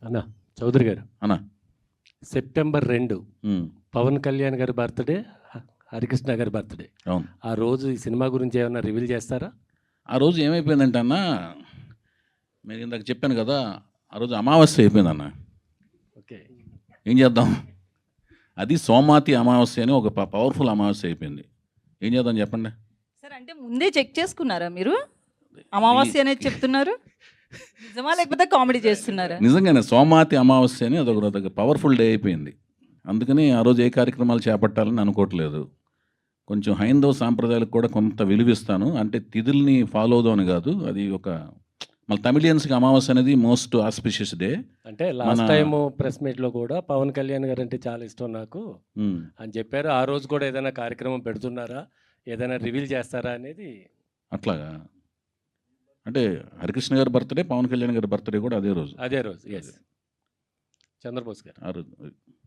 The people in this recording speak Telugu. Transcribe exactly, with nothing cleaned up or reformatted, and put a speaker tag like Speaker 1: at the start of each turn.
Speaker 1: అన్న చౌదరి గారు
Speaker 2: అన్న
Speaker 1: సెప్టెంబర్ రెండు
Speaker 2: ఉమ్,
Speaker 1: పవన్ కళ్యాణ్ గారి బర్త్డే, హరికృష్ణ గారి బర్త్డే.
Speaker 2: అవును.
Speaker 1: ఆ రోజు ఈ సినిమా గురించి ఏమైనా రివీల్ చేస్తారా?
Speaker 2: ఆ రోజు ఏమైపోయిందంటే అన్న, నేను ఇందాక చెప్పాను కదా, ఆ రోజు అమావాస్య అయిపోయింది అన్న.
Speaker 1: ఓకే.
Speaker 2: ఏం చేద్దాం, అది సోమాతి అమావాస్య అని ఒక ప- పవర్ఫుల్ అమావాస్య అయిపోయింది. ఏం చేద్దాం చెప్పండి.
Speaker 3: సార్ అంటే ముందే చెక్ చేసుకున్నారా మీరు? అమావాస్య అనేది చెప్తున్నారు, నిజమా లేకపోతే కామెడీ చేస్తున్నారా?
Speaker 2: నిజంగానే సోమాతి అమావాస్య అని అదొక అదొక పవర్ఫుల్ డే అయిపోయింది. అందుకని ఆ రోజు ఏ కార్యక్రమాలు చేపట్టాలని అనుకోవట్లేదు. కొంచెం హైందవ సాంప్రదాయాలకు కూడా కొంత విలువిస్తాను. అంటే తిథుల్ని ఫాలో అవుదామని కాదు, అది ఒక మళ్ళీ తమిళియన్స్కి అమావాస్య అనేది మోస్ట్ ఆస్పిషియస్ డే.
Speaker 1: అంటే లాస్ట్ టైం ప్రెస్ మీట్లో కూడా పవన్ కళ్యాణ్ గారు అంటే చాలా ఇష్టం నాకు అని చెప్పారు. ఆ రోజు కూడా ఏదైనా కార్యక్రమం పెడుతున్నారా, ఏదైనా రివీల్ చేస్తారా అనేది?
Speaker 2: అట్లాగా అంటే హరికృష్ణ గారి బర్త్డే, పవన్ కళ్యాణ్ గారి బర్త్డే కూడా అదే రోజు.
Speaker 1: అదే రోజు. ఎస్, చంద్రబోస్ గారు
Speaker 2: ఆ రోజు